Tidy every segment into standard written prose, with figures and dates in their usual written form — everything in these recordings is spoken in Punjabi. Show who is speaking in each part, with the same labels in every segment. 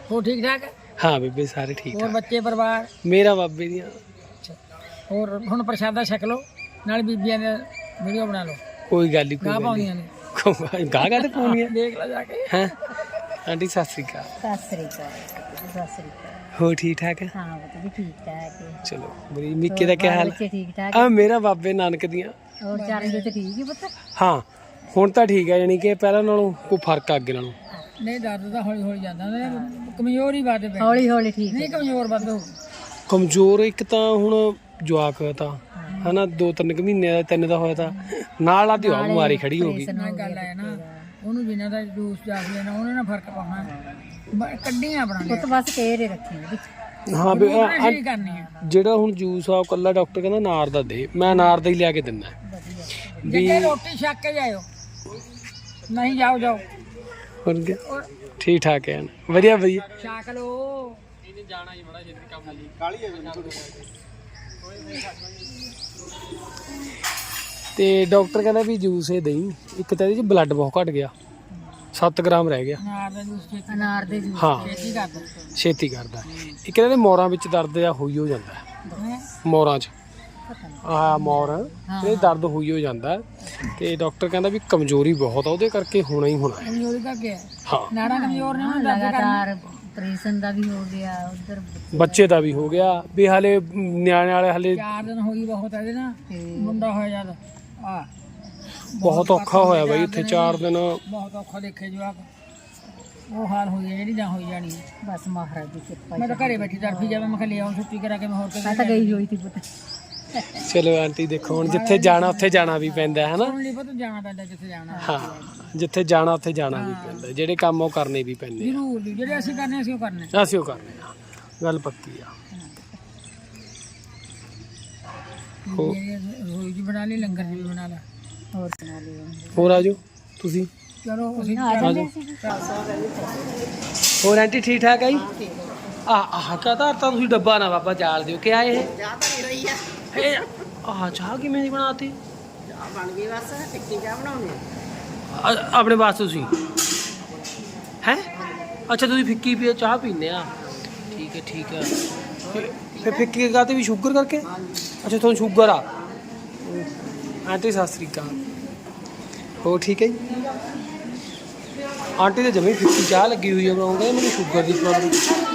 Speaker 1: हो ठीक ठाक
Speaker 2: हाँ बेबे सारे ठीक
Speaker 1: और
Speaker 2: ठाक
Speaker 1: बच्चे परिवार
Speaker 2: मेरा बाबे दियां
Speaker 1: और हुण प्रसादा छक लो नाल बीबियां दे वीडियो बना लो
Speaker 2: कोई गल नहीं
Speaker 1: गा
Speaker 2: कोई
Speaker 1: पाउंदियां ने
Speaker 2: गल गा गा ते पाउनी है
Speaker 1: देख लो जाके
Speaker 2: हैं आंटी सत श्री अकाल हो ठीक ठाक है
Speaker 3: हाँ बच्चे भी ठीक ठाक है
Speaker 2: चलो बड़ी मिक्के दा क्या हाल
Speaker 3: बच्चे ठीक ठाक
Speaker 2: आ मेरा बाबे नानक दियां
Speaker 3: और चार तो ठीक है पुत्र
Speaker 2: हाँ ਹੁਣ ਤਾਂ ਠੀਕ ਹੈ ਯਾਨੀ ਕਿ ਪਹਿਲਾਂ ਨਾਲੋਂ ਕੋਈ ਫਰਕ ਆ ਅੱਗੇ ਨਾਲੋਂ
Speaker 1: नहीं दर्द तो हौली हौली जाता है कमजोर ही बात है
Speaker 3: हौली हौली ठीक
Speaker 1: नहीं कमजोर बात हो
Speaker 2: ਕਮਜ਼ੋਰ ਇੱਕ ਤਾਂ ਹੁਣ ਜਵਾਕ ਤਾਂ ਹਨਾ 2-3 ਮਹੀਨੇ ਦਾ 3 ਦਾ ਹੋਇਆ ਤਾਂ ਨਾਲ ਆਦੀ ਉਹ ਬਿਮਾਰੀ ਖੜੀ ਹੋ ਗਈ
Speaker 1: ਨਾ ਗੱਲ ਹੈ ਨਾ ਉਹਨੂੰ ਜਿੰਨਾ ਦਾ ਜੂਸ ਜਾ ਲੈਣਾ ਉਹਨੇ ਨਾ ਫਰਕ ਪਾਉਣਾ ਕੱਢੀਆਂ ਬਣਾ
Speaker 3: ਪੁੱਤ ਬਸ ਕਹਿ ਰੇ ਰੱਖੀ ਵਿੱਚ
Speaker 2: ਹਾਂ ਵੀ
Speaker 1: ਨਹੀਂ ਕਰਨੀ ਹੈ
Speaker 2: ਜਿਹੜਾ ਹੁਣ ਜੂਸ ਆ ਉਹ ਕੱਲਾ ਡਾਕਟਰ ਕਹਿੰਦਾ ਅਨਾਰ ਦਾ ਦੇ ਮੈਂ ਅਨਾਰ ਦਾ ਹੀ ਲਿਆ ਕੇ ਦਿੰਦਾ
Speaker 1: ਜੇ ਰੋਟੀ ਛੱਕ ਕੇ ਜਾਇਓ ਨਹੀਂ ਜਾਓ ਜਾਓ
Speaker 2: ਹੋਰ ਕੀ ਠੀਕ ਠਾਕ ਹੈ ਵਧੀਆ ਵਧੀਆ
Speaker 1: ਛੱਕ ਲੋ ਜਾਣਾ ਹੀ ਬੜਾ ਛੇਤੀ ਕੰਮ ਲਈ ਕਾਲੀ ਹੈ
Speaker 2: ਤੇ ਡਾਕਟਰ ਕਹਿੰਦਾ ਵੀ ਜੂਸ ਇਹ ਦੇਈ ਇੱਕ ਤਾਂ ਇਹਦੇ ਚ ਬਲੱਡ ਬਹੁਤ ਘਟ ਗਿਆ 7 ਗ੍ਰਾਮ ਰਹਿ ਗਿਆ
Speaker 3: ਅਨਾਰ ਦੇ ਜੂਸ
Speaker 2: ਹਾਂ
Speaker 1: ਛੇਤੀ ਕਰ
Speaker 2: ਛੇਤੀ ਕਰਦਾ ਇੱਕ ਇਹਦੇ ਮੋਰਾਂ ਵਿੱਚ ਦਰਦ ਆ ਹੋਈ ਹੋ ਜਾਂਦਾ ਮੋਰਾਂ 'ਚ ਆ ਮੋਰ ਇਹ ਦਰਦ ਹੋਈ ਹੋ ਜਾਂਦਾ ਤੇ ਡਾਕਟਰ ਕਹਿੰਦਾ ਵੀ ਕਮਜ਼ੋਰੀ ਬਹੁਤ ਆ ਉਹਦੇ ਕਰਕੇ ਹੋਣਾ ਹੀ ਹੋਣਾ ਹੈ
Speaker 1: ਕਮਜ਼ੋਰੀ ਕਰਕੇ
Speaker 2: ਹਾਂ
Speaker 1: ਨਾੜਾ ਕਮਜ਼ੋਰ ਨੇ
Speaker 3: ਲਗਾਤਾਰ ਆਪਰੇਸ਼ਨ ਦਾ ਵੀ ਹੋ ਗਿਆ ਉਧਰ
Speaker 2: ਬੱਚੇ ਦਾ ਵੀ ਹੋ ਗਿਆ ਵੀ ਹਾਲੇ ਨਿਆਣੇ ਵਾਲੇ ਹਾਲੇ
Speaker 1: 4 ਦਿਨ ਹੋਈ ਬਹੁਤ ਹੈ ਨਾ ਮੁੰਡਾ ਹੋਇਆ ਜਦ ਆ
Speaker 2: ਬਹੁਤ ਔਖਾ ਹੋਇਆ ਬਾਈ ਇੱਥੇ 4 ਦਿਨ
Speaker 1: ਬਹੁਤ ਔਖਾ ਦੇਖੇ ਜਵਾਕ ਉਹ ਹਾਲ ਹੋਈ ਹੈ ਜਿਹੜੀ ਜਾਂ ਹੋਈ ਜਾਣੀ ਹੈ
Speaker 3: ਬਸ ਮਹਾਰਾਜ ਦੀ ਕਿਰਪਾ
Speaker 1: ਮੈਂ ਤਾਂ ਘਰੇ ਬੈਠੀ ਤੜਫੀ ਜਾਵੇ ਮੈਂ ਕਿਹਾ ਲੈ ਆਉਂ ਛੁੱਟੀ ਕਰਾ ਕੇ ਮੈਂ ਹੋਰ
Speaker 3: ਮੈਂ ਤਾਂ ਗਈ ਹੋਈ ਸੀ ਪੁੱਤ
Speaker 2: ਚਲੋ ਆਂਟੀ ਦੇਖੋ ਹੁਣ ਜਿੱਥੇ ਜਾਣਾ ਉੱਥੇ ਜਾਣਾ ਵੀ ਪੈਂਦਾ ਹੈ ਨਾ
Speaker 1: ਹੁਣ ਨਹੀਂ ਪਤਾ ਜਾਣਾ ਪੈਂਦਾ ਜਿੱਥੇ ਜਾਣਾ
Speaker 2: ਹਾਂ ਜਿੱਥੇ ਜਾਣਾ ਉੱਥੇ ਜਾਣਾ ਵੀ ਪੈਂਦਾ ਜਿਹੜੇ ਕੰਮ ਉਹ ਕਰਨੇ ਵੀ ਪੈਂਦੇ
Speaker 1: ਜ਼ਰੂਰ ਜੀ ਜਿਹੜੇ ਅਸੀਂ ਕਰਨੇ ਅਸੀਂ ਉਹ ਕਰਨੇ
Speaker 2: ਆ ਅਸੀਂ ਉਹ ਕਰਨੇ ਆ ਗੱਲ ਪੱਕੀ ਆ
Speaker 1: ਰੋਈ ਜੀ ਬਣਾ ਲਈ ਲੰਗਰ ਜੀ ਬਣਾ ਲਾ
Speaker 3: ਹੋਰ ਸੁਣਾ ਲਿਓ
Speaker 2: ਹੋਰ ਆਜੋ ਤੁਸੀਂ
Speaker 1: ਚਲੋ ਅਸੀਂ
Speaker 3: ਆ ਜਾਂਦੇ ਸੀ
Speaker 2: ਹੋਰ ਆਂਟੀ ਠੀਕ ਠਾਕ ਆਈ ਆਹ ਕਹਤਾ ਤਾਂ ਤੁਸੀਂ ਡੱਬਾ ਨਾ ਬਾਬਾ ਜਾਲ ਦਿਓ ਕਿ ਆਏ ਇਹ
Speaker 4: ਚਾਹ ਤਾਂ ਰਹੀ ਆ
Speaker 2: ਇਹ ਆਹ ਚਾਹ ਕਿਵੇਂ ਦੀ ਬਣਾਤੀ
Speaker 4: ਚਾਹ ਬਣ ਗਈ ਬਸ ਟਿੱਕੀ ਚਾਹ ਬਣਾਉਣੀ
Speaker 2: ਆਪਣੇ ਵਾਸਤੇ ਤੁਸੀਂ ਹੈ ਅੱਛਾ ਤੁਸੀਂ ਫਿੱਕੀ ਪੀ ਚਾਹ ਪੀਂਦੇ ਆ ਠੀਕ ਹੈ ਫਿਰ ਫਿੱਕੀ ਕਾਤੇ ਵੀ ਸ਼ੂਗਰ ਕਰਕੇ ਅੱਛਾ ਤੁਹਾਨੂੰ ਸ਼ੂਗਰ ਆ ਆਂਟੀ ਸਤਿ ਸ੍ਰੀ ਅਕਾਲ ਹੋ ਠੀਕ ਹੈ ਜੀ ਆਂਟੀ ਦੇ ਜਮੀ ਫਿੱਕੀ ਚਾਹ ਲੱਗੀ ਹੋਈ ਹੈ ਬਣਾਉਂਦੇ ਮੈਨੂੰ ਸ਼ੂਗਰ ਦੀ ਪ੍ਰੋਬਲਮ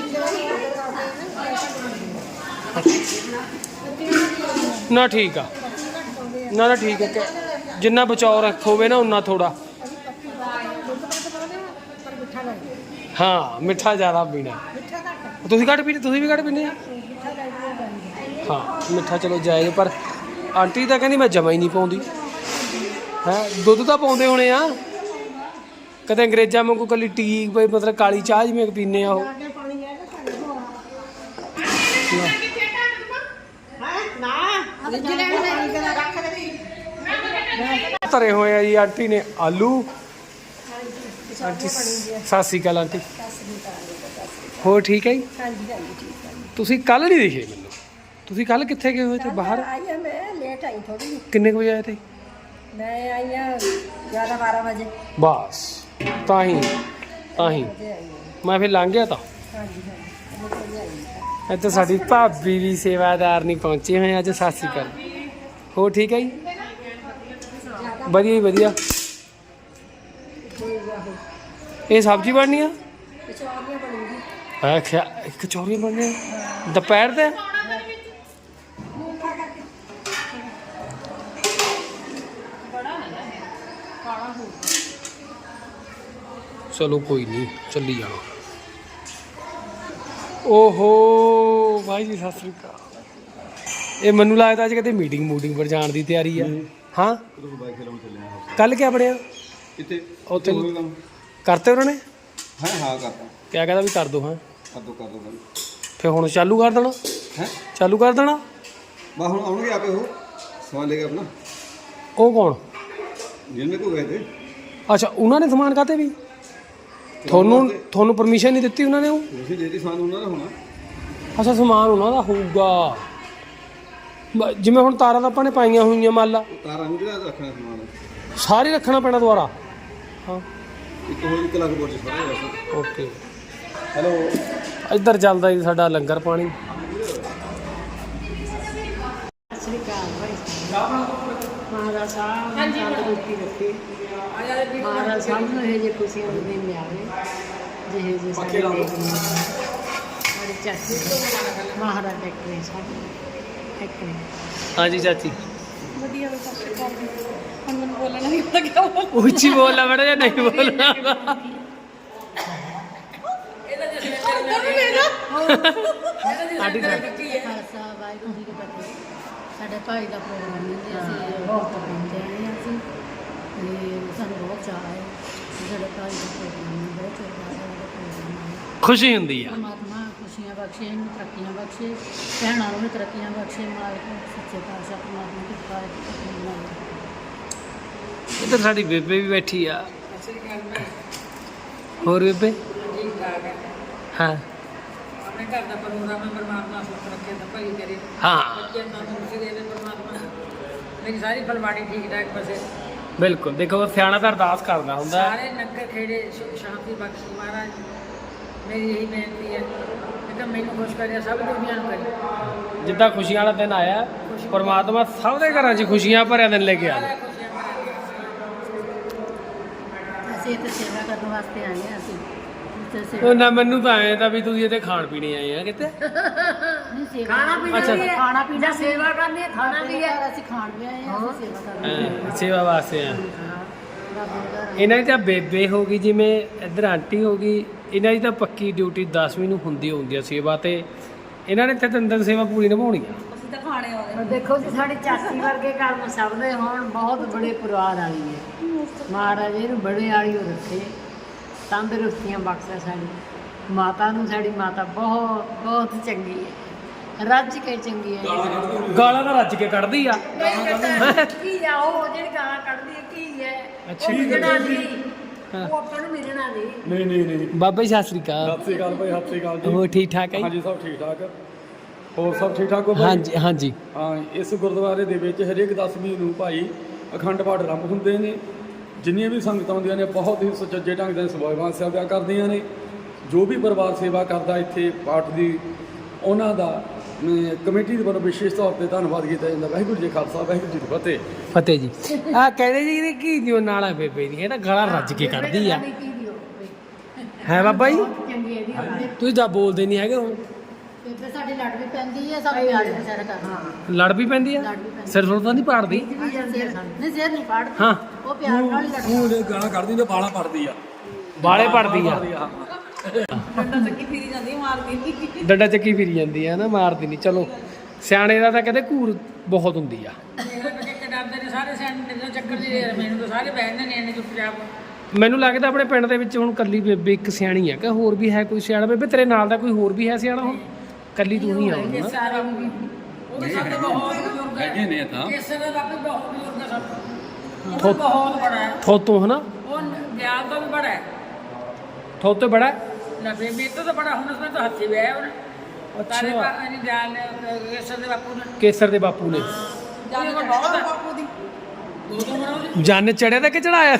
Speaker 2: ਨਾ ਠੀਕ ਆ ਨਾ ਠੀਕ ਹੈ ਕਿ ਜਿੰਨਾ ਬਚਾਓ ਰੱਖੋਗੇ ਨਾ ਉਨਾ ਥੋੜਾ ਹਾਂ ਮਿੱਠਾ ਜ਼ਿਆਦਾ ਪੀਣਾ ਤੁਸੀਂ ਘੱਟ ਪੀਂਦੇ ਤੁਸੀਂ ਵੀ ਘੱਟ ਪੀਂਦੇ ਆ ਹਾਂ ਮਿੱਠਾ ਚਲੋ ਜਾਇਜ਼ ਪਰ ਆਂਟੀ ਤਾਂ ਕਹਿੰਦੀ ਮੈਂ ਜਮਾ ਹੀ ਨਹੀਂ ਪਾਉਂਦੀ ਹੈ ਦੁੱਧ ਤਾਂ ਪਾਉਂਦੇ ਹੋਣੇ ਆ ਕਦੇ ਅੰਗਰੇਜ਼ਾਂ ਵਾਂਗੂ ਕੱਲੀ ਟੀ ਮਤਲਬ ਕਾਲੀ ਚਾਹ ਜਿਵੇਂ ਪੀਂਦੇ ਆ ਉਹ ਤਰੇ ਹੋਏ ਆ ਜੀ ਆਂਟੀ ਨੇ ਆਲੂ ਆਂਟੀ ਸਤਿ ਸ਼੍ਰੀ ਅਕਾਲ ਆਂਟੀ ਹੋਰ ਠੀਕ ਹੈ ਜੀ ਤੁਸੀਂ ਕੱਲ ਨਹੀਂ ਦਿਖੇ ਮੈਨੂੰ ਤੁਸੀਂ ਕੱਲ ਕਿੱਥੇ ਗਏ ਹੋਏ ਤੇ ਬਾਹਰ
Speaker 4: आई है मैं लेट आई थोड़ी
Speaker 2: ਕਿੰਨੇ ਕੁ ਵਜੇ ਆਏ ਤੇ
Speaker 4: मैं आई हूँ 11-12 बजे
Speaker 2: ਬਸ ਤਾਂ ਹੀ ਮੈਂ ਫਿਰ ਲੰਘ ਗਿਆ ਤਾਂ ਇੱਥੇ ਸਾਡੀ ਭਾਬੀ ਵੀ ਸੇਵਾਦਾਰ ਨਹੀਂ ਪਹੁੰਚੇ ਹੋਏ ਅੱਜ ਸਤਿ ਸ਼੍ਰੀ ਅਕਾਲ ਹੋਰ ਠੀਕ ਹੈ ਜੀ ਵਧੀਆ ਜੀ ਵਧੀਆ ਇਹ ਸਬਜ਼ੀ ਬਣਨੀ ਆ ਕਚੌਰੀਆਂ ਬਣਨੀਆਂ ਦੁਪਹਿਰ ਦੇ ਚਲੋ ਕੋਈ ਨਹੀਂ ਚੱਲੀ ਜਾਣਾ ਓਹੋ ਭਾਈ ਜੀ ਸਤਿ ਸ੍ਰੀ ਅਕਾਲ ਇਹ ਮੈਨੂੰ ਲੱਗਦਾ ਅੱਜ ਕਿਤੇ ਮੀਟਿੰਗ ਪਰ ਜਾਣ ਦੀ ਤਿਆਰੀ ਆ ਹਾਂ ਕੱਲ ਕਿਆ ਬਣਿਆ
Speaker 5: ਕਿਤੇ
Speaker 2: ਉੱਥੇ ਕਰਤੇ ਉਹਨਾਂ ਨੇ
Speaker 5: ਹਾਂ ਕਰਤਾ
Speaker 2: ਕਿਆ ਕਹਿੰਦਾ ਵੀ ਕਰ ਦੋ ਹਾਂ
Speaker 5: ਕਰ ਦੋ
Speaker 2: ਫਿਰ ਹੁਣ ਚਾਲੂ ਕਰ ਦੇਣਾ
Speaker 5: ਹੈ
Speaker 2: ਚਾਲੂ ਕਰ ਦੇਣਾ
Speaker 5: ਬਾ ਹੁਣ ਆਉਣਗੇ ਆਪੇ ਉਹ ਸਮਾਨ ਲੈ ਕੇ ਆਪਣਾ
Speaker 2: ਉਹ ਕੌਣ
Speaker 5: ਜਿਹਨੇ ਕੋ ਗਏ ਤੇ
Speaker 2: ਅੱਛਾ ਉਹਨਾਂ ਨੇ ਸਮਾਨ ਕਾਤੇ ਵੀ ਤੁਹਾਨੂੰ ਪਰਮਿਸ਼ਨ ਨਹੀਂ ਦਿੱਤੀ ਉਹਨਾਂ ਨੇ ਉਹ
Speaker 5: ਤੁਸੀਂ ਦੇ ਦੇ ਸਮਾਨ ਉਹਨਾਂ ਦਾ ਹੋਣਾ
Speaker 2: ਅੱਛਾ ਸਮਾਨ ਉਹਨਾਂ ਦਾ ਹੋਊਗਾ ਜਿਵੇਂ ਹੁਣ ਤਾਰਾਂ ਤਾਂ ਆਪਾਂ ਨੇ ਪਾਈਆਂ ਹੋਈਆਂ ਮੰਨ ਲਾ
Speaker 5: ਤਾਰਾਂ ਨੂੰ ਜਿਹੜਾ ਰੱਖਣਾ ਸਮਾਨ
Speaker 2: ਸਾਰੇ ਰੱਖਣਾ ਪੈਣਾ ਦੁਬਾਰਾ ਹਾਂ
Speaker 5: ਇੱਕ ਹੋਰ 1 ਲੱਖ ਬੋਲ ਸਾਰਾ ਵੈਸੇ
Speaker 2: ਓਕੇ
Speaker 5: ਹੈਲੋ
Speaker 2: ਇੱਧਰ ਚੱਲਦਾ ਜੀ ਸਾਡਾ ਲੰਗਰ ਪਾਣੀ।
Speaker 3: ਸ੍ਰੀ ਅਕਾਲ ਭਾਈ ਮਹਾਰਾਜ ਸਾਹਿਬ ਨੇ ਤੰਦਰੁਸਤੀ ਰੱਖੇ। ਮਹਾਰਾਜ ਸਾਹਿਬ ਨੂੰ ਇਹ ਜੇ ਖੁਸ਼ੀਆਂ ਦੇ ਦਿਨ ਲਿਆਵੇ ਜਿਹੇ ਜੇ ਸਾਡੇ ਚਾਚੀ ਮਹਾਰਾਜ ਟੈਕਰੇ ਸਾਡੇ ਟੈਕਰੇ।
Speaker 2: ਹਾਂਜੀ ਚਾਚੀ
Speaker 3: ਵਧੀਆ ਹੁਣ ਮੈਨੂੰ ਬੋਲਣਾ ਨਹੀਂ ਪਤਾ ਕਿਆ
Speaker 2: ਉੱਚੀ ਬੋਲਣਾ ਬੜਾ ਜਾਂ ਨਹੀਂ ਬੋਲਣਾ? ਸਾਡੀ
Speaker 3: ਖਾਲਸਾ ਵਾਹਿਗੁਰੂ ਜੀ ਕੀ ਫਤਿਹ। ਸਾਡੇ ਭਾਈ ਦਾ ਪ੍ਰੋਗਰਾਮ ਹੈ ਤੇ ਅਸੀਂ ਬਹੁਤ ਪਹੁੰਚੇ ਆਏ ਹਾਂ ਅਸੀਂ ਤੇ ਸਾਨੂੰ ਬਹੁਤ ਚਾਅ ਹੈ ਕਿ ਸਾਡੇ ਭਾਈ ਦਾ ਪ੍ਰੋਗਰਾਮ ਹੈ। ਬਹੁਤ ਚਿਰ ਬਾਅਦ ਸਾਡਾ ਪ੍ਰੋਗਰਾਮ ਹੈ।
Speaker 2: ਖੁਸ਼ੀ ਹੁੰਦੀ ਆ।
Speaker 3: ਪਰਮਾਤਮਾ ਖੁਸ਼ੀਆਂ ਬਖਸ਼ੇ, ਇਹਨੂੰ ਤਰੱਕੀਆਂ ਬਖਸ਼ੇ, ਭੈਣਾਂ ਨੂੰ ਵੀ ਤਰੱਕੀਆਂ ਬਖਸ਼ੇ। ਮਾਲਕ ਸੱਚੇ ਪਾਤਸ਼ਾਹ ਪਰਮਾਤਮਾ ਦੀ ਕਿਰਪਾ ਹੈ।
Speaker 2: ਇੱਧਰ ਸਾਡੀ ਬੇਬੇ ਵੀ ਬੈਠੀ ਆ। ਹੋਰ ਬੇਬੇ? ਹਾਂ
Speaker 1: ਆਪਣੇ ਘਰ ਦਾ ਪ੍ਰੋਗਰਾਮ ਹੈ, ਪਰਮਾਤਮਾ ਸੁਖ ਰੱਖੇ ਤਾਂ ਭਲੀ ਕਰੇ।
Speaker 2: ਹਾਂ
Speaker 1: ਬੱਚਿਆਂ ਨੂੰ ਤੰਦਰੁਸਤੀ ਦੇਵੇ ਪਰਮਾਤਮਾ। ਮੇਰੀ ਸਾਰੀ ਫਲਵਾੜੀ ਠੀਕ ਠਾਕ ਬਸੇ।
Speaker 2: ਬਿਲਕੁਲ। ਦੇਖੋ ਸਿਆਣਾ ਤਾਂ ਅਰਦਾਸ ਕਰਦਾ ਹੁੰਦਾ।
Speaker 1: ਸਾਰੇ ਨਗਰ ਖੇੜੇ ਸੁਖ ਸ਼ਾਂਤੀ ਬਖਸ਼ੀ ਮਹਾਰਾਜ। ਮੇਰੀ ਇਹੀ ਬੇਨਤੀ ਹੈ ਕਿ ਮੈਨੂੰ ਖੁਸ਼ ਕਰਿਆ, ਸਭ ਦੁਨੀਆ ਨੂੰ ਕਰੇ।
Speaker 2: ਜਿੱਦਾਂ ਖੁਸ਼ੀਆਂ ਵਾਲਾ ਦਿਨ ਆਇਆ, ਪਰਮਾਤਮਾ ਸਭ ਦੇ ਘਰਾਂ 'ਚ ਖੁਸ਼ੀਆਂ ਭਰਿਆ ਦਿਨ ਲੈ ਕੇ ਆਵੇ।
Speaker 3: ਅਸੀਂ ਇੱਥੇ ਸੇਵਾ ਕਰਨ ਵਾਸਤੇ ਆਏ ਹਾਂ। ਅਸੀਂ ਇੱਥੇ
Speaker 2: ਉਹ
Speaker 3: ਸੇਵਾ
Speaker 2: ਨਾ ਮੈਨੂੰ ਤਾਂ ਐਂ ਤਾਂ ਵੀ ਤੁਸੀਂ ਇੱਥੇ ਖਾਣ ਪੀਣੇ ਆਏ ਆ ਕਿਤੇ।
Speaker 3: ਨਹੀਂ ਸੇਵਾ
Speaker 4: ਖਾਣਾ ਪੀਣਾ
Speaker 2: ਅੱਛਾ।
Speaker 4: ਵੀ ਹੈ।
Speaker 3: ਖਾਣਾ ਪੀਣਾ
Speaker 4: ਜਾਂ ਸੇਵਾ ਕਰਨੀ ਹੈ, ਖਾਣਾ ਵੀ ਹੈ।
Speaker 3: ਅਸੀਂ ਖਾਣ ਵੀ ਆਏ ਹਾਂ, ਅਸੀਂ ਸੇਵਾ ਕਰਨ ਵੀ ਆਏ ਹਾਂ।
Speaker 2: ਸੇਵਾ ਵਾਸਤੇ ਆ।
Speaker 3: ਰੱਬ ਦਾ
Speaker 2: ਇਹਨਾਂ ਦੀ ਤਾਂ ਬੇਬੇ ਹੋ ਗਈ, ਜਿਵੇਂ ਇੱਧਰ ਆਂਟੀ ਹੋ ਗਈ, ਇਹਨਾਂ ਦੀ ਤਾਂ ਪੱਕੀ ਡਿਊਟੀ 10ਵੀਂ ਨੂੰ ਹੁੰਦੀ ਆ ਸੇਵਾ ਤੇ। ਇਹਨਾਂ ਨੇ ਤਾਂ 3 ਦਿਨ ਸੇਵਾ ਪੂਰੀ ਨਿਭਾਉਣੀ ਆ।
Speaker 3: ਦੇਖੋ ਜੀ ਸਾਡੀ ਚਾਚੀ ਵਰਗੇ ਕਰਮ ਸਭ ਦੇ ਹੋਣ। ਬਹੁਤ ਬੜੇ ਪਰਿਵਾਰ ਵਾਲੀ ਹੈ। ਮਹਾਰਾਜ ਇਹਨੂੰ ਬੜੇ ਵਾਲੀ ਉਹ ਰੱਖੇ, ਤੰਦਰੁਸਤੀਆਂ ਬਖਸ਼ੇ। ਸਾਡੀ ਮਾਤਾ ਨੂੰ, ਸਾਡੀ ਮਾਤਾ ਬਹੁਤ ਬਹੁਤ ਚੰਗੀ ਹੈ, ਰੱਜ ਕੇ ਚੰਗੀ ਹੈ।
Speaker 2: ਗਾਲਾਂ ਤਾਂ ਰੱਜ ਕੇ ਕੱਢਦੀ ਆ।
Speaker 3: ਕੀ ਆ ਉਹ ਜਿਹੜੀ ਗਾਲਾਂ ਕੱਢਦੀ ਹੈ? ਕੀ ਹੈ
Speaker 2: ਅੱਛਾ।
Speaker 3: ਉਹ ਮਿਲਣਾ ਨਹੀਂ,
Speaker 2: ਹਾਂ।
Speaker 3: ਉਹ ਆਪਾਂ ਨੂੰ ਮਿਲਣਾ ਨਹੀਂ।
Speaker 5: ਨਹੀਂ
Speaker 2: ਬਾਬਾ ਜੀ ਸਤਿ ਸ੍ਰੀ ਅਕਾਲ।
Speaker 5: ਸਤਿ ਸ਼੍ਰੀ ਅਕਾਲ ਭਾਈ, ਸਤਿ ਸ਼੍ਰੀ ਅਕਾਲ
Speaker 2: ਹੋਰ ਠੀਕ ਠਾਕ ਹੈ ਜੀ?
Speaker 5: ਹਾਂਜੀ ਸਭ ਠੀਕ ਠਾਕ। ਹੋਰ ਸਭ ਠੀਕ ਠਾਕ ਹੋ ਭਾਈ?
Speaker 2: ਹਾਂਜੀ ਹਾਂਜੀ।
Speaker 5: ਹਾਂ, ਇਸ ਗੁਰਦੁਆਰੇ ਦੇ ਵਿੱਚ ਹਰੇਕ 10ਵੀਂ ਨੂੰ ਭਾਈ ਅਖੰਡ ਪਾਠ ਆਰੰਭ ਹੁੰਦੇ ਨੇ। ਜਿੰਨੀਆਂ ਵੀ ਸੰਗਤਾਂ ਆਉਂਦੀਆਂ ਨੇ ਬਹੁਤ ਹੀ ਸੁਚੱਜੇ ਢੰਗ ਨਾਲ ਸੇਵਾਵਾਂ ਸੇਵਾ ਕਰਦੀਆਂ ਨੇ। ਜੋ ਵੀ ਪਰਿਵਾਰ ਸੇਵਾ ਕਰਦਾ ਇੱਥੇ ਪਾਠ ਦੀ, ਉਹਨਾਂ ਦਾ ਕਮੇਟੀ ਦੇ ਵੱਲੋਂ ਵਿਸ਼ੇਸ਼ ਤੌਰ ਤੇ ਧੰਨਵਾਦ ਕੀਤਾ ਜਾਂਦਾ। ਵਾਹਿਗੁਰੂ ਜੀ ਕਾ ਖਾਲਸਾ, ਵਾਹਿਗੁਰੂ ਜੀ ਕੀ ਫਤਿਹ।
Speaker 2: ਫਤਿਹ ਜੀ। ਆ ਕਹਿੰਦੇ ਜੀ ਇਹਦੀ ਕੀ ਦਿਓ ਨਾਲਾ ਬੇਬੇ ਦੀ, ਇਹ ਤਾਂ ਗਾਲਾਂ ਰੱਜ ਕੇ ਕੱਢਦੀ ਆ।
Speaker 3: ਕੀ ਦਿਓ
Speaker 2: ਹੈ ਬਾਬਾ ਜੀ?
Speaker 3: ਚੰਗੀ ਇਹਦੀ ਹੋਵੇ।
Speaker 2: ਤੁਸੀਂ ਤਾਂ ਬੋਲਦੇ ਨਹੀਂ ਹੈਗੇ ਹੁਣ।
Speaker 3: ਬੇਬੇ ਸਾਡੀ ਲੜ ਵੀ ਪੈਂਦੀ ਹੈ, ਸਭ ਪਿਆਰ ਵਿਚਾਰਾ ਕਰਨਾ।
Speaker 2: ਲੜ ਵੀ ਪੈਂਦੀ ਆ?
Speaker 3: ਲੜ ਵੀ ਪੈਂਦੀ।
Speaker 2: ਸਿਰ ਸੁਰ ਤਾਂ ਨਹੀਂ ਪਾੜਦੀ?
Speaker 3: ਨਹੀਂ ਸਿਰ ਨਹੀਂ ਪਾੜਦੀ,
Speaker 2: ਹਾਂ
Speaker 3: ਉਹ ਪਿਆਰ ਨਾਲ ਹੀ ਲੜਦੀ।
Speaker 5: ਉਹ ਗਾਲਾਂ ਕੱਢਦੀ ਤੇ ਬਾਲਾਂ ਪੜਦੀ ਆ।
Speaker 2: ਵਾਲੇ ਪੜਦੀ ਆ।
Speaker 1: ਡੰਡਾ ਚੱਕੀ ਫਿਰੀ ਜਾਂਦੀ, ਮਾਰਦੀ ਨਹੀਂ।
Speaker 2: ਡੰਡਾ ਚੱਕੀ ਫਿਰੀ ਜਾਂਦੀ ਆ ਨਾ, ਮਾਰਦੀ ਨਹੀਂ। ਚਲੋ ਸਿਆਣੇ ਦਾ ਤਾਂ ਕਹਿੰਦੇ ਘੂਰ ਬਹੁਤ ਹੁੰਦੀ ਆ।
Speaker 1: ਮੇਰੇ ਬੱਚੇ ਡਰਦੇ ਨੇ ਸਾਰੇ ਸਿਆਣੇ ਨੇ ਚੱਕਰ ਜੀ। ਮੈਨੂੰ ਤਾਂ ਸਾਰੇ ਬਹਿੰਦੇ ਨੇ ਇਹਨੇ ਚੁੱਪਚਾਪ।
Speaker 2: ਮੈਨੂੰ ਲੱਗਦਾ ਆਪਣੇ ਪਿੰਡ ਦੇ ਵਿੱਚ ਹੁਣ ਕੱਲੀ ਬੇਬੇ ਇੱਕ ਸਿਆਣੀ ਆ ਕਿ ਹੋਰ ਵੀ ਹੈ ਕੋਈ ਸਿਆਣਾ? ਬੇਬੇ ਤੇਰੇ ਨਾਲ ਦਾ ਕੋਈ ਹੋਰ ਵੀ ਹੈ ਸਿਆਣਾ? ਹੁਣ ਕੱਲੀ ਤੂੰ ਹੀ ਆ ਹੁਣ ਨਾ?
Speaker 1: ਸਾਰੇ ਉਹ ਤਾਂ ਸਭ ਤੋਂ ਬਹੁਤ ਬਜ਼ੁਰਗ ਹੈ।
Speaker 5: ਹੈਗੇ ਨੇ ਤਾਂ।
Speaker 1: ਕੇਸਰ ਦਾ ਬਾਪੂ ਬਹੁਤ ਬਜ਼ੁਰਗ ਹੈ ਸਭ ਤੋਂ। ਉਹ ਬਹੁਤ ਬੜਾ ਹੈ।
Speaker 2: ਥੋਤੋਂ ਹਨਾ?
Speaker 1: ਉਹ ਗਿਆਨ ਤੋਂ ਵੀ ਬੜਾ ਹੈ।
Speaker 2: ਥੋਤੋਂ ਬੜਾ ਹੈ?
Speaker 1: ਨਾ ਬੇਬੀ ਤੋਂ ਤਾਂ ਬੜਾ, ਹੁਣ ਉਸਨੇ ਤਾਂ ਹੱਥੀ ਵਿਆਹ ਉਹਨੇ। ਤਾਰੇ ਪਾਣੀ ਗਿਆਨ ਨੇ ਕੇਸਰ ਦੇ ਬਾਪੂ ਨੇ।
Speaker 2: ਕੇਸਰ ਦੇ ਬਾਪੂ ਨੇ
Speaker 1: ਜਾਨ ਬਹੁਤ ਹੈ ਬਾਪੂ ਦੀ। ਦੋ ਮਰੋ ਦੀ।
Speaker 2: ਜੰਨ ਚੜਿਆ ਤਾਂ ਕਿ ਚੜਾਇਆ?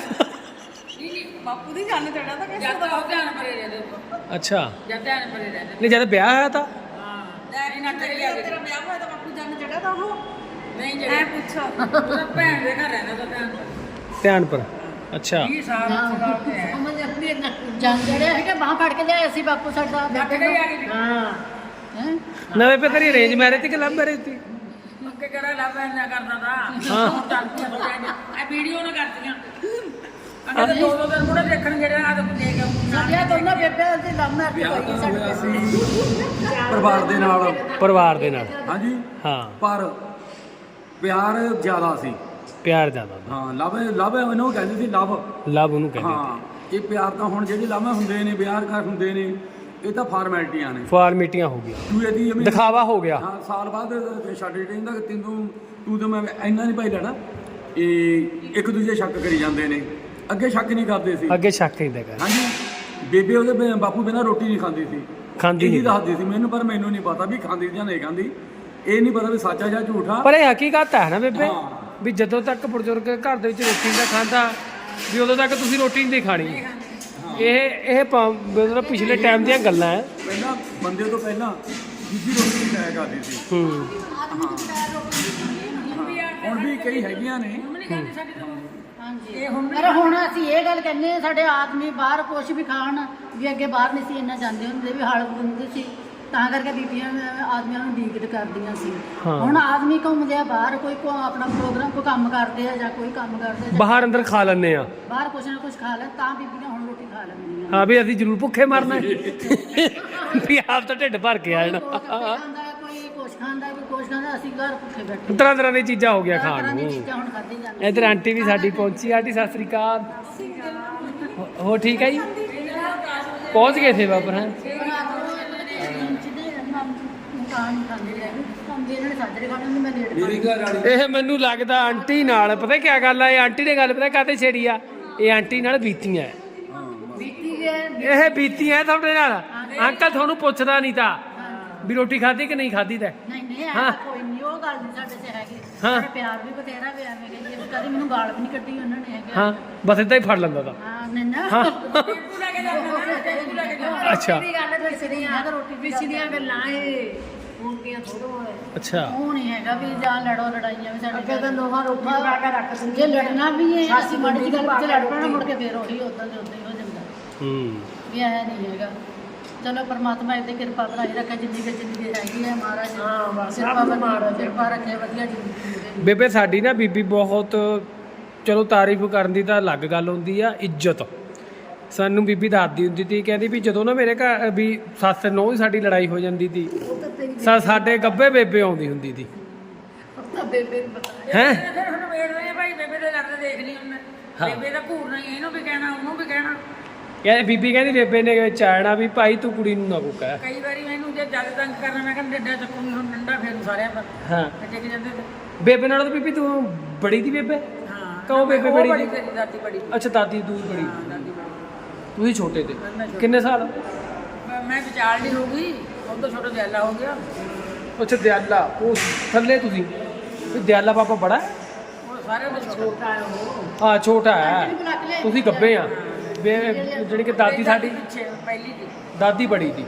Speaker 1: ਬਾਪੂ ਦੀ ਜਾਨ ਚੜਾ ਤਾਂ ਜਦ ਤੱਕ ਉਹ ਧਿਆਨ ਪਰੇ ਰਹਿੰਦੇ।
Speaker 2: ਅੱਛਾ।
Speaker 1: ਜਦ ਧਿਆਨ ਪਰੇ ਰਹਿੰਦੇ।
Speaker 2: ਨਹੀਂ ਜਦ ਵਿਆਹ ਹੋਇਆ ਤਾਂ?
Speaker 1: ਹਾਂ ਇਹ ਨਾ ਕਰੀ ਗਿਆ। ਤੇਰਾ ਵਿਆਹ ਹੋਇਆ ਤਾਂ ਬਾਪੂ ਜਾਨ ਚੜਾ ਤਾਂ ਉਹ ਨਹੀਂ ਚੜਿਆ। ਐ ਪੁੱਛੋ ਉਹਦਾ ਭੈਣ ਦੇ ਘਰ ਰਹਿੰਦਾ ਤਾਂ ਧਿਆਨ ਪਰ।
Speaker 2: ਧਿਆਨ ਪਰ। ਅੱਛਾ।
Speaker 1: 20 ਸਾਲ ਸਵਾਲ ਤੇ ਹੈ।
Speaker 3: ਉਹ ਮੈਂ ਆਪਣੀ ਜੰਗ ਜੜਿਆ ਹੈਗਾ, ਬਾਹ ਫੜ ਕੇ ਲਿਆਏ ਸੀ ਬਾਪੂ ਸਾਡਾ।
Speaker 1: ਲੱਗ ਗਈ ਆ ਗਈ।
Speaker 3: ਹਾਂ ਹੈ
Speaker 2: ਨਾ ਬੇਬੇ ਤੇਰੀ ਅਰੇਂਜ ਮੈਰਿਜ ਤੇ ਕਿ ਲਵ ਮੈਰਿਜ ਤੇ?
Speaker 1: ਅੱਗੇ ਕਿਹੜਾ ਲੱਭ ਨਾ ਕਰਦਾ ਤਾਂ।
Speaker 2: ਹਾਂ।
Speaker 1: ਹੁਣ ਚੱਲਦੀਆਂ ਥੋੜੀਆਂ ਇਹ ਵੀਡੀਓ ਨਾ ਕਰਦੀਆਂ। ਅੱਗੇ ਤਾਂ 2-2 ਦਿਨ ਮੁੜੇ ਦੇਖਣ ਜਿਹੜੇ ਆ ਤਾਂ ਦੇਖ ਕੇ
Speaker 3: ਸਾਡੀਆਂ ਦੋਨਾਂ ਬੇਬੇ ਦੀ ਲਵ ਮੈਰਿਜ
Speaker 5: ਵਿਆਹ
Speaker 3: ਹੋਈ
Speaker 5: ਤਾਂ
Speaker 3: ਸਾਡੇ
Speaker 5: ਹੋਇਆ ਸੀ ਪਰਿਵਾਰ ਦੇ ਨਾਲ।
Speaker 2: ਪਰਿਵਾਰ ਦੇ ਨਾਲ।
Speaker 5: ਹਾਂਜੀ
Speaker 2: ਹਾਂ
Speaker 5: ਪਰ ਪਿਆਰ ਜ਼ਿਆਦਾ ਸੀ।
Speaker 2: ਪਿਆਰ ਜ਼ਿਆਦਾ ਹੁੰਦਾ।
Speaker 5: ਹਾਂ ਲਵ ਇਹਨੂੰ ਕਹਿੰਦੇ ਸੀ ਲਵ।
Speaker 2: ਲਵ ਉਹਨੂੰ ਕਹਿੰਦੇ
Speaker 5: ਹਾਂ ਇਹ ਪਿਆਰ ਤਾਂ ਹੁਣ ਜਿਹੜੇ ਲਾਵਾਂ ਹੁੰਦੇ ਨੇ, ਵਿਆਹ ਕਰ ਹੁੰਦੇ ਨੇ, ਇਹ ਤਾਂ ਫਾਰਮੈਲਿਟੀਆਂ ਨੇ।
Speaker 2: ਫਾਰਮੈਲਿਟੀਆਂ ਹੋ ਗਈਆਂ,
Speaker 5: ਤੂੰ ਇਹਦੀ ਐਵੇਂ
Speaker 2: ਦਿਖਾਵਾ ਹੋ ਗਿਆ।
Speaker 5: ਹਾਂ ਸਾਲ ਬਾਅਦ ਛੱਡ ਕਹਿੰਦਾ ਕਿ ਤੂੰ ਤਾਂ ਮੈਂ ਇੰਨਾ ਨਹੀਂ ਭਾਈ ਲੈਣਾ। ਇਹ ਇੱਕ ਦੂਜੇ ਸ਼ੱਕ ਕਰੀ ਜਾਂਦੇ ਨੇ। ਅੱਗੇ ਸ਼ੱਕ ਨਹੀਂ ਕਰਦੇ ਸੀ।
Speaker 2: ਅੱਗੇ ਸ਼ੱਕ ਨਹੀਂ ਦੇਗਾ।
Speaker 5: ਹਾਂਜੀ ਬੇਬੇ ਉਹਦੇ ਬਾਪੂ ਬਿਨਾਂ ਰੋਟੀ ਨਹੀਂ ਖਾਂਦੀ ਸੀ।
Speaker 2: ਖਾਂਦੀ
Speaker 5: ਇਹੀ
Speaker 2: ਨਹੀਂ।
Speaker 5: ਦੱਸਦੀ ਸੀ ਮੈਨੂੰ, ਪਰ ਮੈਨੂੰ ਨਹੀਂ ਪਤਾ ਵੀ ਖਾਂਦੀ ਜਾਂ ਨਹੀਂ ਖਾਂਦੀ। ਇਹ ਨਹੀਂ ਪਤਾ ਵੀ ਸੱਚ ਆ ਜਾਂ ਝੂਠਾ।
Speaker 2: ਪਰ ਇਹ ਹਕੀਕਤ ਹੈ ਨਾ ਬੇਬੇ,
Speaker 5: ਹਾਂ।
Speaker 2: ਵੀ ਜਦੋਂ ਤੱਕ ਬਜ਼ੁਰਗ ਘਰ ਦੇ ਵਿੱਚ ਰੋਟੀ ਨਹੀਂ ਖਾਂਦਾ ਵੀ ਉਦੋਂ ਤੱਕ ਤੁਸੀਂ ਰੋਟੀ ਨਹੀਂ ਖਾਣੀ। ਇਹ ਮਤਲਬ ਪਿਛਲੇ ਟਾਈਮ ਦੀਆਂ ਗੱਲਾਂ ਹੈ।
Speaker 5: ਪਹਿਲਾਂ ਬੰਦੇ ਤੋਂ ਪਹਿਲਾਂ ਦੂਜੀ ਰੋਟੀ ਖਾਇਆ ਕਰਦੀ ਸੀ।
Speaker 2: ਹੂੰ
Speaker 5: ਹੁਣ ਵੀ ਕਈ ਹੈਗੀਆਂ ਨੇ।
Speaker 4: ਪਰ ਹੁਣ ਅਸੀਂ ਇਹ ਗੱਲ ਕਹਿੰਦੇ ਹਾਂ, ਸਾਡੇ ਆਦਮੀ ਬਾਹਰ ਕੁਛ ਵੀ ਖਾਣ ਵੀ ਅੱਗੇ ਬਾਹਰ ਨਹੀਂ ਸੀ ਇੰਨਾ ਜਾਂਦੇ ਹੁੰਦੇ, ਵੀ ਹਲ ਹੁੰਦੇ ਸੀ, ਤਾਂ ਕਰਕੇ ਬੀਬੀਆਂ ਆਦਮੀਆਂ ਨੂੰ ਡੀਕਟ ਕਰਦੀਆਂ ਸੀ।
Speaker 2: ਹਾਂ।
Speaker 4: ਹੁਣ ਆਦਮੀ ਘੁੰਮਦੇ ਆ ਬਾਹਰ, ਕੋਈ ਆਪਣਾ ਪ੍ਰੋਗਰਾਮ ਕੋਈ ਕੰਮ ਕਰਦੇ ਆ ਜਾਂ ਕੋਈ ਕੰਮ ਕਰਦੇ ਆ,
Speaker 2: ਬਾਹਰ ਅੰਦਰ ਖਾ ਲੈਂਦੇ ਆ।
Speaker 4: ਬਾਹਰ ਕੁਛ ਨਾ ਕੁਛ ਖਾ ਲੈ, ਤਾਂ ਬੀਬੀਆਂ ਹੁਣ ਰੋਟੀ ਖਾ ਲੈਂਦੀਆਂ।
Speaker 2: ਹਾਂ ਵੀ ਅਸੀਂ ਜ਼ਰੂਰ ਭੁੱਖੇ ਮਰਨਾ ਵੀ ਆਪ ਤਾਂ ਢਿੱਡ ਭਰ ਕੇ ਆ ਜਾਣਾ।
Speaker 4: ਕੋਈ ਕੁਛ ਖਾਂਦਾ, ਕੋਈ ਕੁਛ ਖਾਂਦਾ, ਅਸੀਂ ਘਰ ਭੁੱਖੇ ਬੈਠੇ।
Speaker 2: ਤਰ੍ਹਾਂ ਤਰ੍ਹਾਂ ਦੀਆਂ ਚੀਜ਼ਾਂ ਹੋ ਗਿਆ
Speaker 4: ਤਰ੍ਹਾਂ
Speaker 2: ਖਾਣ
Speaker 4: ਦੀਆਂ
Speaker 2: ਨੂੰ।
Speaker 4: ਚੀਜ਼ਾਂ ਹੁਣ ਖਾਧੀ ਜਾਂਦੀਆਂ।
Speaker 2: ਇੱਧਰ ਆਂਟੀ ਵੀ ਸਾਡੀ ਪਹੁੰਚੀ। ਆਂਟੀ ਸਤਿ ਸ੍ਰੀ ਅਕਾਲ। ਹੋ ਠੀਕ ਹੈ ਜੀ? ਪਹੁੰਚ ਗਏ ਥੇ ਵਾਪਰ ਹੈ। ਇਹ ਮੈਨੂੰ ਲੱਗਦਾ ਆਂਟੀ ਨਾਲ ਪਤਾ ਕੀ ਗੱਲ ਆ। ਇਹ ਆਂਟੀ ਨੇ ਗੱਲ ਪਤਾ ਕਾਹਤੇ ਛੇੜੀ ਆ। ਇਹ ਆਂਟੀ ਨਾਲ ਬੀਤੀਆਂ ਇਹ ਬੀਤੀਆਂ ਤੁਹਾਡੇ ਨਾਲ। ਅੰਕਲ ਤੁਹਾਨੂੰ ਪੁੱਛਦਾ ਨਹੀਂ ਤਾਂ ਵੀ ਰੋਟੀ ਖਾਧੀ ਕਿ ਨਹੀਂ ਖਾਧੀ ਤਾਂ।
Speaker 4: ਨਹੀਂ
Speaker 2: ਹਾਂ।
Speaker 4: ਕੋਈ ਨਹੀਂ, ਉਹ ਗੱਲ ਨਹੀਂ ਸਾਡੇ 'ਚ ਹੈਗੀ।
Speaker 2: ਹਾਂ।
Speaker 4: ਸਾਡੇ ਪਿਆਰ ਵੀ ਬਥੇਰਾ ਵੀ ਐਵੇਂ ਕਹੀਏ, ਕਦੀ ਮੈਨੂੰ ਗਾਲ ਵੀ ਨਹੀਂ ਕੱਢੀ ਉਹਨਾਂ ਨੇ ਹੈਗਾ।
Speaker 2: ਹਾਂ ਬਸ ਏਦਾਂ ਹੀ ਫੜ ਲੈਂਦਾ ਤਾਂ।
Speaker 4: ਹਾਂ ਨਹੀਂ ਨਾ।
Speaker 2: ਹਾਂ ਅੱਛਾ
Speaker 4: ਅੱਛਾ ਗੱਲ ਪਿਛਲੀਆਂ ਗੱਲਾਂ ਇਹ ਹੁਣ ਦੀਆਂ ਥੋੜੋ ਹੈ।
Speaker 2: ਅੱਛਾ
Speaker 4: ਉਹ ਨਹੀਂ ਹੈਗਾ ਵੀ ਜਾਂ ਲੜੋ ਲੜਾਈਆਂ ਵੀ ਸਾਡੇ ਅੱਗੇ ਤਾਂ ਨੋਹਾਂ ਰੋਟੀ ਪਕਾ ਕੇ ਰੱਖ ਦਿੰਦੇ। ਜੇ ਲੜਨਾ ਵੀ ਹੈ ਅਸੀਂ ਮਾੜੀ ਜਿਹੀ ਗੱਲ ਪਿੱਛੇ ਲੜ ਪੈਣਾ, ਮੁੜ ਕੇ ਫੇਰ ਉਹੀ ਉਦਾਂ ਦੇ ਉਦਾਂ ਹੀ ਹੋ ਜਾਂਦਾ
Speaker 2: ਹੂੰ
Speaker 4: ਵੀ ਐ ਨਹੀਂ ਹੈਗਾ। ਚਲੋ ਪਰਮਾਤਮਾ ਇਹਦੇ ਕਿਰਪਾ ਬਣਾਈ ਰੱਖੇ, ਜਿੰਨੀ ਕਿ ਜ਼ਿੰਦਗੀ ਹੈਗੀ ਹੈ ਮਹਾਰਾਜ ਕਿਰਪਾ ਰੱਖੇ, ਵਧੀਆ ਜ਼ਿੰਦਗੀ ਹੋਵੇ।
Speaker 2: ਬੇਬੇ ਸਾਡੀ ਨਾ ਬੀਬੀ ਬਹੁਤ ਚਲੋ ਤਾਰੀਫ ਕਰਨ ਦੀ ਤਾਂ ਅਲੱਗ ਗੱਲ ਹੁੰਦੀ ਆ। ਇੱਜ਼ਤ ਸਾਨੂੰ ਬੀਬੀ ਦੱਸਦੀ ਹੁੰਦੀ ਸੀ, ਕਹਿੰਦੀ ਵੀ ਜਦੋਂ ਨਾ ਮੇਰੇ ਘਰ ਵੀ ਸੱਸ ਨੂੰਹ ਦੀ ਸਾਡੀ ਲੜਾਈ ਹੋ ਜਾਂਦੀ ਸੀ, ਸਾਡੇ ਗੱਭੇ ਬੇਬੇ ਆਉਂਦੀ ਹੁੰਦੀ ਸੀ। ਹੈ
Speaker 1: ਫਿਰ ਹੁਣ ਵੇੜ ਰਹੇ ਆ ਭਾਈ, ਬੇਬੇ ਦੇ ਲੜਦੇ ਦੇਖ ਲਈ ਉਹਨੇ। ਬੇਬੇ ਦਾ ਘੂਰਨਾ ਹੀ, ਇਹਨੂੰ ਵੀ ਕਹਿਣਾ ਉਹਨੂੰ ਵੀ ਕਹਿਣਾ।
Speaker 2: ਕਹਿੰਦੀ ਬੀਬੀ ਕਹਿੰਦੀ ਬੇਬੇ ਨੇ ਵਿੱਚ ਆਣਾ ਵੀ ਭਾਈ ਤੂੰ ਕੁੜੀ ਨੂੰ ਨਾ ਕੋ ਕਹਿ।
Speaker 1: ਕਈ ਵਾਰੀ ਮੈਨੂੰ ਜੇ ਜਦ ਤੰਗ ਕਰਨਾ ਮੈਂ ਕਹਿੰਦਾ ਡੱਡਾ ਚੱਕੂਗੀ ਹੁਣ ਡੰਡਾ ਫੇਰੂ ਸਾਰਿਆਂ ਪਰ।
Speaker 2: ਹਾਂ
Speaker 1: ਟਿਕ ਜਾਂਦੇ ਤੇ।
Speaker 2: ਬੇਬੇ ਨਾਲ ਤਾਂ ਬੀਬੀ ਤੂੰ ਬੜੀ ਦੀ ਬੇਬੇ।
Speaker 1: ਹਾਂ
Speaker 2: ਕਹੋ ਬੇਬੇ
Speaker 1: ਉਹ
Speaker 2: ਬੜੀ
Speaker 1: ਬੜੀ
Speaker 2: ਦੀ।
Speaker 1: ਤੇਰੀ ਦਾਦੀ ਬੜੀ।
Speaker 2: ਅੱਛਾ ਦਾਦੀ ਤੂੰ ਬੜੀ।
Speaker 1: ਹਾਂ ਦਾਦੀ ਬੜੀ।
Speaker 2: ਤੁਸੀਂ ਛੋਟੇ ਤੇ
Speaker 1: ਮੈਂ ਛੋਟੀ।
Speaker 2: ਕਿੰਨੇ ਸਾਲ?
Speaker 1: ਮੈਂ ਵਿਚਾਰਲੀ ਹੋ ਗਈ, ਉਹ ਤੋਂ ਛੋਟਾ ਦਿਆਲਾ ਹੋ ਗਿਆ।
Speaker 2: ਅੱਛਾ ਦਿਆਲਾ ਉਹ ਥੱਲੇ ਤੁਸੀਂ ਵੀ ਦਿਆਲਾ ਪਾਪਾ ਬੜਾ ਹੈ?
Speaker 1: ਉਹ ਸਾਰੇ ਤੋਂ ਛੋਟਾ ਹੈ ਉਹ।
Speaker 2: ਹਾਂ ਛੋਟਾ ਹੈ, ਤੁਸੀਂ ਗੱਬੇ ਆ। ਜਿਹੜੀ ਕਿ ਦਾਦੀ ਸਾਡੀ
Speaker 1: ਪਿੱਛੇ ਪਹਿਲੀ ਦੀ।
Speaker 2: ਦਾਦੀ ਬੜੀ ਦੀ।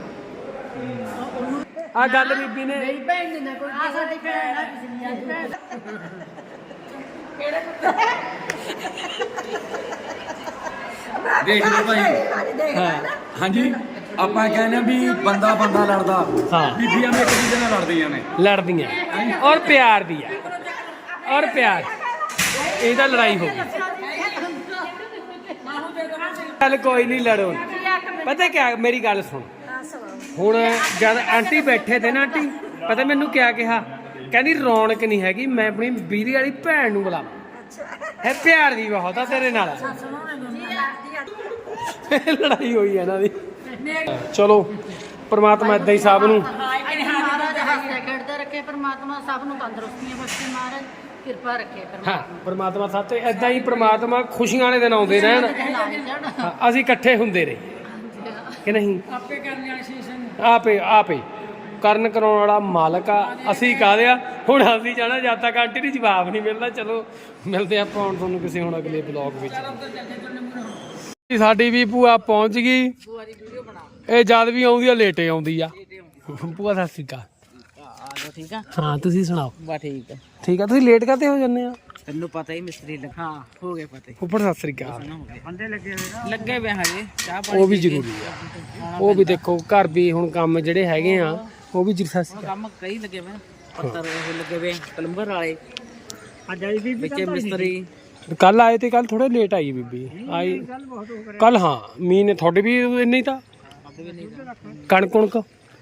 Speaker 2: ਆ ਗੱਲ ਬੀਬੀ ਨੇ
Speaker 4: ਭੈਣ ਦੀ ਨਾ ਕੋਈ ਆ ਸਾਡੀ ਭੈਣ ਆ ਪਿਛਲੀਆਂ
Speaker 5: ਦੇਖ ਲਓ ਭਾਈ।
Speaker 2: ਹਾਂ
Speaker 5: ਹਾਂਜੀ ਆਪਾਂ ਕਹਿੰਦੇ ਆ ਵੀ ਬੰਦਾ ਬੰਦਾ ਲੜਦਾ,
Speaker 2: ਹਾਂ।
Speaker 5: ਬੀਬੀਆਂ ਵੀ ਇੱਕ ਦੂਜੇ ਨਾਲ ਲੜਦੀਆਂ ਨੇ।
Speaker 2: ਲੜਦੀਆਂ ਔਰ ਪਿਆਰ ਵੀ ਆ। ਔਰ ਪਿਆਰ ਇਹਦਾ ਲੜਾਈ ਹੋ ਗਈ। ਚੱਲ ਕੋਈ ਨਹੀਂ ਲੜੋ। ਪਤਾ ਕਿਆ ਮੇਰੀ ਗੱਲ ਸੁਣ। ਹੁਣ ਜਦ ਆਂਟੀ ਬੈਠੇ ਤੇ ਨਾ ਆਂਟੀ ਪਤਾ ਮੈਨੂੰ ਕਿਆ ਕਿਹਾ, ਕਹਿੰਦੀ ਰੌਣਕ ਨਹੀਂ ਹੈਗੀ, ਮੈਂ ਆਪਣੀ ਵੀਰੀ ਵਾਲੀ ਭੈਣ ਨੂੰ ਬੁਲਾਵਾਂ। ਹੈ ਪਿਆਰ ਵੀ ਬਹੁਤ ਆ ਤੇਰੇ ਨਾਲ। ਲੜਾਈ ਹੋਈ ਹੈ ਇਹਨਾਂ ਦੀ। ਚਲੋ ਪਰਮਾਤਮਾ ਏਦਾਂ ਹੀ ਸਭ ਨੂੰ
Speaker 4: ਮਹਾਰਾਜ ਹੱਸਦੇ ਖੇਡਦੇ ਰੱਖੇ, ਪਰਮਾਤਮਾ ਸਭ ਨੂੰ ਤੰਦਰੁਸਤੀਆਂ ਬਖਸ਼ੇ, ਮਹਾਰਾਜ ਕਿਰਪਾ ਰੱਖੇ
Speaker 2: ਹਾਂ ਪਰਮਾਤਮਾ ਸਭ ਤੇ ਏਦਾਂ ਹੀ ਪਰਮਾਤਮਾ ਖੁਸ਼ੀਆਂ ਵਾਲੇ ਦਿਨ ਆਉਂਦੇ ਰਹਿਣ। ਹਾਂ, ਅਸੀਂ ਇਕੱਠੇ ਹੁੰਦੇ ਰਹੇ ਕਿ ਨਹੀਂ।
Speaker 1: ਆਪੇ ਕਰਨ ਵਾਲੇ ਸ਼ੀਸ਼ੇ
Speaker 2: ਆਪੇ ਕਰਨ ਕਰਾਉਣ ਵਾਲਾ ਮਾਲਕ ਆ। ਅਸੀਂ ਕਾਹਦੇ ਆ ਹੁਣ। ਅਸੀਂ ਜਾਣਾ ਜਦ ਤੱਕ ਆਂਟੀ ਨੂੰ ਜਵਾਬ ਨਹੀਂ ਮਿਲਦਾ। ਚਲੋ ਮਿਲਦੇ ਆਪਾਂ ਹੁਣ ਤੁਹਾਨੂੰ ਕਿਸੇ ਹੁਣ ਅਗਲੇ ਬਲੌਗ ਵਿੱਚ। ਸਾਡੀ ਵੀ ਭੂਆ ਪਹੁੰਚ ਗਈ। ਇਹ ਜਦ ਵੀ ਆਉਂਦੀ ਆ ਲੇਟੇ ਆਉਂਦੀ ਆ। ਭੂਆ ਸਤਿ ਸ਼੍ਰੀ ਅਕਾਲ।
Speaker 1: ਠੀਕ ਆ।
Speaker 2: ਹਾਂ ਤੁਸੀਂ ਸੁਣਾਓ।
Speaker 1: ਬਾ ਠੀਕ ਆ।
Speaker 2: ਠੀਕ ਆ ਤੁਸੀਂ ਲੇਟ ਕਾਤੇ ਹੋ ਜਾਂਦੇ ਆ?
Speaker 1: ਤੈਨੂੰ ਪਤਾ ਹੀ ਮਿਸਤਰੀ ਲੱਗਾ। ਹਾਂ ਹੋ ਗਏ ਪਤਾ।
Speaker 2: ਉੱਪਰ ਸਤਿ ਸ਼੍ਰੀ ਅਕਾਲ।
Speaker 1: ਬੰਦੇ ਲੱਗੇ ਵੇ ਹਜੇ ਚਾਹ ਪਾਣੀ।
Speaker 2: ਉਹ ਵੀ ਜ਼ਰੂਰੀ ਆ। ਉਹ ਵੀ ਦੇਖੋ ਘਰ ਵੀ ਹੁਣ ਕੰਮ ਜਿਹੜੇ ਹੈਗੇ ਆ ਉਹ ਵੀ ਸਤਿ ਸ਼੍ਰੀ ਅਕਾਲ।
Speaker 1: ਕੰਮ ਕਈ ਲੱਗੇ ਵੇ ਪੱਤਰ ਉਹ ਲੱਗੇ ਵੇ ਕਲੰਬਰ ਵਾਲੇ। ਅੱਜ ਆਈ ਵੀ ਵਿੱਚ ਮਿਸਤਰੀ
Speaker 2: ਕੱਲ ਆਏ ਤੇ ਕੱਲ ਥੋੜੇ ਲੇਟ ਆਈ ਬੀਬੀ ਆਈ ਕੱਲ। ਹਾਂ ਮੀਂਹ ਨੇ ਤੁਹਾਡੇ ਵੀ ਇੰਨੇ ਹੀ ਤਾਂ ਕਣਕ ਕੁਣਕ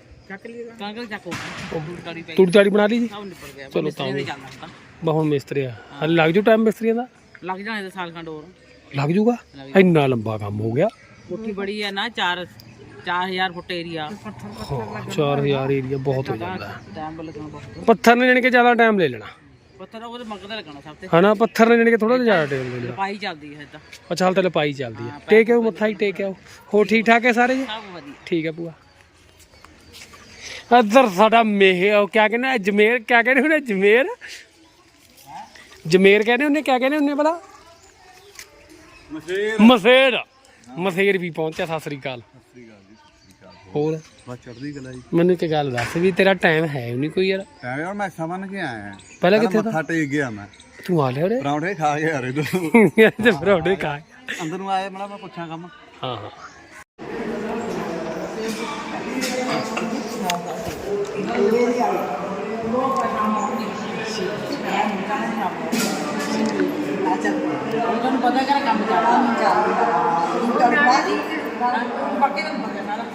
Speaker 2: ਤੂੜੀ ਤਾੜੀ ਬਣਾ ਲਈ ਜੀ। ਚਲੋ ਤਾਂ ਹੁਣ ਮਿਸਤਰੀ ਆ ਹਲੇ ਲੱਗ ਜੂ ਟਾਈਮ ਮਿਸਤਰੀਆਂ ਦਾ।
Speaker 1: ਲੱਗ ਜਾਣੇ ਸਾਲ ਖੰਡ ਹੋਰ
Speaker 2: ਲੱਗ ਜੂਗਾ। ਇੰਨਾ ਲੰਬਾ ਕੰਮ ਹੋ ਗਿਆ।
Speaker 1: ਕੋਠੀ ਬੜੀ ਹੈ ਨਾ 4000 ਫੁੱਟ ਏਰੀਆ।
Speaker 2: 4000 ਏਰੀਆ ਬਹੁਤ ਹੋ ਜਾਂਦਾ।
Speaker 1: ਟਾਈਮ ਲੱਗਣਾ ਬਹੁਤ।
Speaker 2: ਪੱਥਰ ਨੇ ਜਾਣੀ ਕਿ ਜ਼ਿਆਦਾ ਟਾਈਮ ਲੈ ਲੈਣਾ।
Speaker 1: ਪੱਥਰ ਉਹਦੇ ਮੰਗਦਾ ਲੱਗਣਾ ਸਭ ਤੇ।
Speaker 2: ਹਨਾ ਪੱਥਰ ਨੇ ਜਾਣੀ ਕਿ ਥੋੜਾ ਜ਼ਿਆਦਾ ਟਾਈਮ ਲੈ ਲੈਣਾ।
Speaker 1: ਲਪਾਈ ਚੱਲਦੀ ਹੈ ਇਦਾਂ।
Speaker 2: ਅੱਛਾ ਹਾਲ ਤਾਂ ਲਪਾਈ ਚੱਲਦੀ ਆ। ਟੇਕ ਆਓ ਮੱਥਾ ਹੀ ਟੇਕ ਆਓ। ਹੋਰ ਠੀਕ ਠਾਕ ਹੈ ਸਾਰੇ ਜੀ?
Speaker 1: ਸਭ ਵਧੀਆ।
Speaker 2: ਠੀਕ ਹੈ ਭੂਆ। ਇੱਧਰ ਸਾਡਾ ਉਹ ਕਿਆ ਕਹਿੰਦੇ ਅਜਮੇਰ ਕਿਆ ਕਹਿੰਦੇ ਹੁੰਦੇ ਜਮੇਰ ਕਹਿੰਦੇ ਹੁੰਦੇ ਕਿਆ ਕਹਿੰਦੇ ਹੁੰਦੇ ਭਲਾ ਮਸੇਰ। ਮਥੇਰ ਵੀ ਪਹੁੰਚਿਆ। ਸਤਿ ਸ੍ਰੀ ਅਕਾਲ। ਹੋਰ
Speaker 6: ਬਸ ਚੜ੍ਹਦੀ ਕਲਾ ਜੀ।
Speaker 2: ਮੈਨੂੰ ਇੱਕ ਗੱਲ ਦੱਸ ਵੀ ਤੇਰਾ ਟਾਈਮ ਹੈ ਨਹੀਂ ਕੋਈ ਯਾਰ?
Speaker 6: ਟਾਈਮ ਯਾਰ ਮੈਂ ਸਮਝ ਕੇ ਆਇਆ।
Speaker 2: ਪਹਿਲਾਂ ਕਿੱਥੇ
Speaker 6: ਮੱਥਾ ਟੇਕ ਗਿਆ ਮੈਂ।
Speaker 2: ਤੂੰ ਆ ਲਿਆ ਉਰੇ?
Speaker 6: ਪਰੌਂਠੇ ਖਾ ਕੇ ਆ ਰਹੇ ਤੂੰ
Speaker 2: ਤੇ ਪਰੌਂਠੇ ਖਾ
Speaker 6: ਅੰਦਰ ਨੂੰ ਆਇਆ ਮੈਂ ਪੁੱਛਾਂ ਕੰਮ।
Speaker 2: ਹਾਂ ਹਾਂ
Speaker 1: ਤੁਹਾਨੂੰ ਪਤਾ ਕਰ ਕੰਮ ਚੱਲਦਾ ਬਾਕੀ ਤਾਂ ਪਤਾ ਸਾਰਾ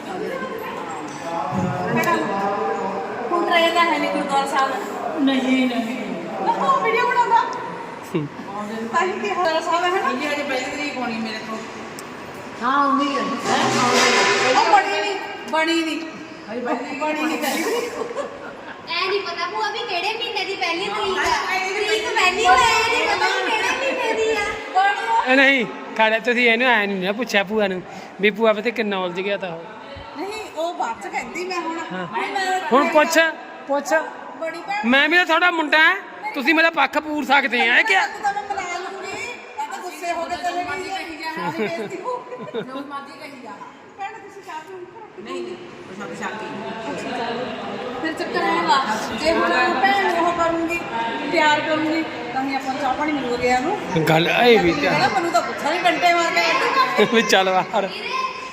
Speaker 1: ਹੁਣ ਰਹਿਦਾ ਹੈ ਨਹੀਂ ਗੁਰਦੁਆਰਾ ਸਾਹਿਬ। ਨਹੀਂ ਉਹ ਵੀਡੀਓ ਬਣਾਉਂਦਾ ਤਾਂ ਹੀ ਕਿ ਗੁਰਦੁਆਰਾ ਸਾਹਿਬ ਹੈ ਨਾ। ਇਹ ਅਜੇ ਪਹਿਲੀ ਤਰੀਕ ਹੋਣੀ ਮੇਰੇ ਕੋਲ।
Speaker 3: ਹਾਂ ਉਮੀਦ ਹੈ
Speaker 1: ਉਹ ਬਣੀ ਨਹੀਂ ਹਜੇ ਬਣੀ ਨਹੀਂ ਕਰੀ।
Speaker 7: ਐ ਨਹੀਂ ਪਤਾ ਭੂਆ ਵੀ ਕਿਹੜੇ ਮਹੀਨੇ ਦੀ ਪਹਿਲੀ ਤਰੀਕ ਆ। ਤਰੀਕ ਪਹਿਲੀ ਹੋਇਆ ਨਹੀਂ ਪਤਾ ਵੀ ਕਿਹੜੇ ਮਹੀਨੇ ਦੀ ਆ।
Speaker 2: ਇਹ ਨਹੀਂ ਖਾੜਾ ਤੁਸੀਂ ਇਹਨੂੰ ਐ ਨਹੀਂ ਨਾ ਪੁੱਛਿਆ ਭੂਆ ਨੂੰ ਵੀ ਭੂਆ ਪਤਾ ਕਿੰਨਾ ਉਲਝ ਗਿਆ ਤਾਂ ਉਹ।
Speaker 1: ਨਹੀਂ ਉਹ ਬਾਅਦ ਚ ਕਹਿੰਦੀ ਮੈਂ ਹੁਣ
Speaker 2: ਹੁਣ ਪੁੱਛ
Speaker 1: ਬੜੀ ਭੈਣ
Speaker 2: ਮੈਂ ਵੀ ਤਾਂ ਤੁਹਾਡਾ ਮੁੰਡਾ ਹੈ, ਤੁਸੀਂ ਮੇਰਾ ਪੱਖ ਪੂਰ ਸਕਦੇ ਆ ਕਿਆ?
Speaker 1: ਤਾਂ ਮੈਂ ਮਨਾ ਲੂੰਗੀ। ਇਹ ਤਾਂ ਗੁੱਸੇ ਹੋ ਕੇ ਚਲੇ ਗਈ ਕਹੀ ਜਾ ਬੇਇੱਜ਼ਤੀ ਹੋ ਜੋ ਮਾਦੀ ਕਹੀ ਜਾ ਭੈਣ ਤੁਸੀਂ ਚਾਹ ਪੀਓ? ਨਹੀਂ ਫਿਰ ਚੱਕਰ ਆਏਗਾ ਜੇ ਹੁਣ ਭੈਣ ਉਹ ਕਰੂੰਗੀ ਪਿਆਰ ਕਰੂੰਗੀ ਤਾਂ ਹੀ ਆਪਾਂ ਨੂੰ ਚਾਹ ਪਾਣੀ ਮਿਲੂਗਾ ਗਿਆ ਨੂੰ।
Speaker 2: ਗੱਲ ਇਹ ਵੀ
Speaker 1: ਮੈਨੂੰ ਤਾਂ ਪੁੱਛਾ ਨਹੀਂ ਡੰਡੇ ਮਾਰ ਕੇ
Speaker 2: ਵੀ ਚੱਲ ਬਾਹਰ
Speaker 7: ਵੀਰੇ